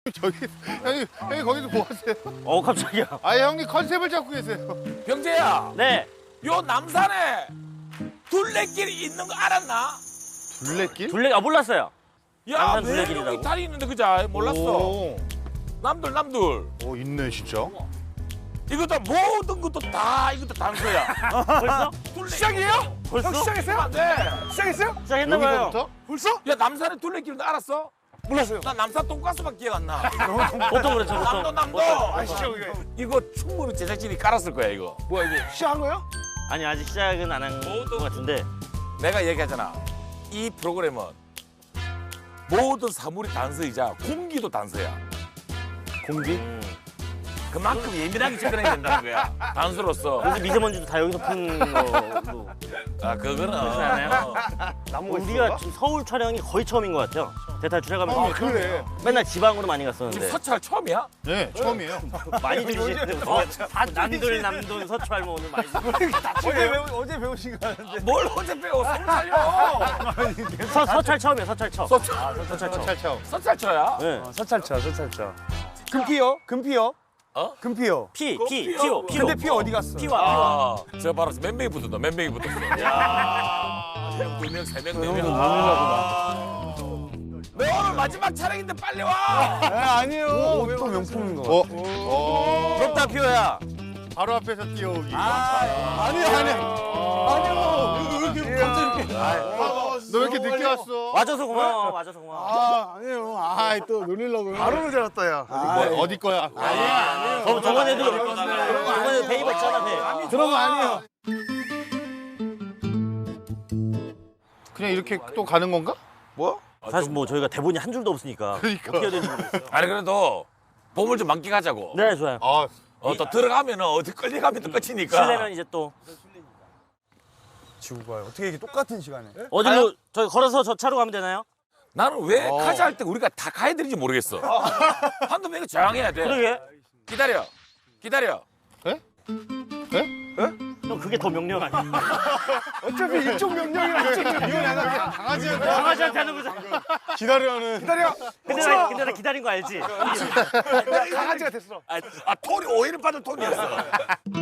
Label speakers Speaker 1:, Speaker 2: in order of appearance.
Speaker 1: 저기 형님 거기서 뭐 하세요?
Speaker 2: 깜짝이야.
Speaker 1: 아 형님 컨셉을 잡고 계세요.
Speaker 3: 병재야,
Speaker 2: 네.
Speaker 3: 요 남산에 둘레길이 있는 거 알았나?
Speaker 1: 둘레길?
Speaker 2: 둘레 몰랐어요.
Speaker 3: 야,
Speaker 2: 남산
Speaker 3: 왜
Speaker 2: 둘레길이라고?
Speaker 3: 여기 다리 있는데 그자 몰랐어.
Speaker 1: 오,
Speaker 3: 남들.
Speaker 1: 오 있네 진짜.
Speaker 3: 이거 다 모든 것도 다 이것도 단서야.
Speaker 2: 벌써?
Speaker 3: 시작이에요?
Speaker 2: 벌써?
Speaker 3: 시작했어요? 네.
Speaker 4: 시작했어요?
Speaker 2: 시작했나봐요.
Speaker 1: 여기서부터?
Speaker 4: 벌써?
Speaker 3: 야, 남산에 둘레길인데 알았어?
Speaker 4: 몰랐어요.
Speaker 3: 나 남산 돈가스밖에 기억 안 나.
Speaker 2: 보통 그렇죠, 보통.
Speaker 3: 남도.
Speaker 4: 아시죠 이게?
Speaker 3: 이거 충분히 제작진이 깔았을 거야 이거.
Speaker 4: 뭐야 이게? 시작한 거예요?
Speaker 2: 아니, 아직 시작은 안 한 것 같은데.
Speaker 3: 내가 얘기하잖아. 이 프로그램은 모든 사물이 단서이자 공기도 단서야.
Speaker 1: 공기?
Speaker 3: 그만큼 예민하게 접근해야 된다는 거야. 단서로서.
Speaker 2: 그래서 미세먼지도 다 여기서 푼 거고.
Speaker 3: 아, 그거는.
Speaker 2: 그렇지 않아요?
Speaker 4: 나무가
Speaker 2: 우리가 지금 서울 촬영이 거의 처음인 것 같아요. 대탈출해가면서.
Speaker 1: 아,
Speaker 4: 그래.
Speaker 2: 맨날 지방으로 많이
Speaker 3: 지금
Speaker 2: 갔었는데.
Speaker 3: 서찰 처음이야?
Speaker 1: 네 처음이에요.
Speaker 2: 많이 들으시는데. 남돌, 서초할 뭐 오늘 많이
Speaker 4: 어제 배우신 거 같은데.
Speaker 3: 뭘 언제 배워? 서울 살려.
Speaker 2: 서찰 처음이에요, 서찰 처음.
Speaker 3: 서찰.
Speaker 1: 찰차오.
Speaker 3: 서찰처야?
Speaker 2: 네.
Speaker 4: 서찰차. 금피요?
Speaker 3: 어?
Speaker 4: 금피요.
Speaker 2: 피오.
Speaker 4: 근데 피 어디 갔어?
Speaker 2: 피와.
Speaker 3: 아, 저 바로 몇 명이 붙었다. 몇 명이 붙었어. 야. 1명, 2명, 3명, 4명.
Speaker 4: 아.
Speaker 3: 너 오늘 마지막 촬영인데 빨리 와.
Speaker 4: 아니에요. 또 명품인 거.
Speaker 2: 부럽다, 피오야.
Speaker 1: 바로 앞에서 뛰어오기.
Speaker 4: 아니요. 왜 이렇게 갑자기 이렇게?
Speaker 1: 너 왜 이렇게 늦게 왔어?
Speaker 2: 와줘서 고마워, 와줘서 고마워.
Speaker 4: 아니에요. 또 놀리려고요. 바로 잘랐다 야.
Speaker 1: 뭐, 어디 거야?
Speaker 2: 저번에도 배 입었잖아, 배.
Speaker 4: 그런 거 아니에요.
Speaker 1: 그냥 이렇게 또 가는 건가?
Speaker 3: 뭐?
Speaker 2: 사실 뭐 저희가 대본이 한 줄도 없으니까.
Speaker 1: 그러니까.
Speaker 2: 어떻게 해야 되는지 모르겠어요.
Speaker 3: 아니 그래도 봄을 좀 만끽하자고.
Speaker 2: 네, 좋아요.
Speaker 1: 아
Speaker 3: 또 들어가면은 어디 끌려가면 또 끝이니까.
Speaker 2: 실내면 이제 또
Speaker 4: 지구 봐요. 어떻게 이게 똑같은 시간에?
Speaker 2: 어디로 저희 걸어서 저 차로 가면 되나요?
Speaker 3: 나는 왜 가자 할 때 우리가 다 가야 되는지 모르겠어. 한두 명이 저항해야 돼.
Speaker 2: 그러게.
Speaker 3: 기다려.
Speaker 2: 형 그게 더 명령 아니야?
Speaker 4: 어차피 이쪽 명령이랑 이쪽 명령이
Speaker 2: 강아지한테 하는 거잖아.
Speaker 4: 기다려.
Speaker 2: 근데 나 기다린 거 알지?
Speaker 4: 강아지가 됐어.
Speaker 3: 톤이 오해를 받을 톤이었어.